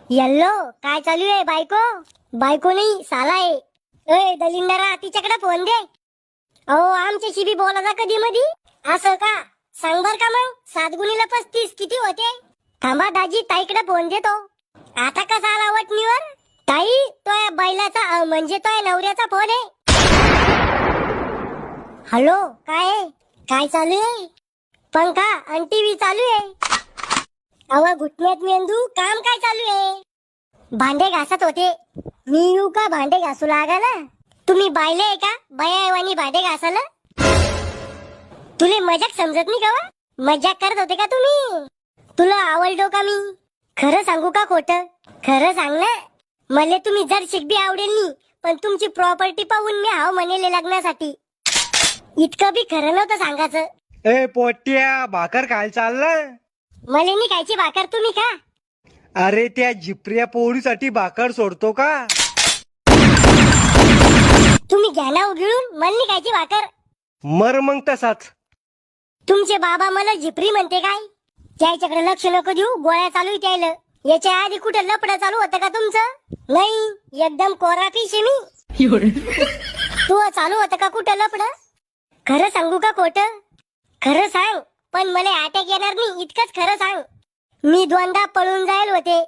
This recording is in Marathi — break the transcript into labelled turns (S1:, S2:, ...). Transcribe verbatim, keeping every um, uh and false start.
S1: येल्लो काय चालू आहे बायको? बायको नाही साला आहे। ए दलिंदरा तिच्याकडे फोन दे। अहो आमच्याशी बी बोलायचा कधी मधी असं का? सांग बर का मग सात गुणीला पस्तीस किती होते? थांबा दाजी ताईकडे फोन देतो। आता कसा आला वटणीवर? ताई तो बैलाचा अ, म्हणजे तो नवऱ्याचा फोन आहे। हॅलो काय आहे? काय चालू आहे? पंखा आणि टीव्ही चालू आहे। अहो घुटण्यात मेंदू काम काय चालू आहे? भांडे घासत होते। मी येऊ का भांडे घासू लागायला? तुम्ही बायले आहे का बायावानी भांडे घासायला? तुले मजाक समजत नाही का वा? मजाक करत होते का तुम्ही? तुला आवडलो का मी? खरं सांगू का खोटं? खरं सांग ना। मले तुम्ही जर शिकबी आवडेल नी पण तुमची प्रॉपर्टी पाहून मी हाव म्हणेले लग्नासाठी। इतकं बी खरं नव्हतं सांगायचं।
S2: ए पोट्या भाकर खायला चाललं?
S1: मले नी खायची भाकर तुम्ही खा।
S2: अरे त्या झिपऱ्या पोळीसाठी भाकर सोडतो का?
S1: तुम्ही घ्या ना उगिळून मला नी खायची भाकर।
S2: मर मग तसाच।
S1: तुमचे बाबा मला झिपरी म्हणते काय? त्याच्याकडे लक्ष नको देऊ गोळ्या चालू आहे त्याला। याच्या आधी कुठं लपडं चालू होतं का तुमचं? नाही एकदम कोरा फिश आहे मी। तू चालू होतं का कुठं लपडं? खरं सांगू का खोटं? खरं सांग पण मला अटॅक येणार नाही इतकंच खरं सांग। मी दोनदा पळून जायल होते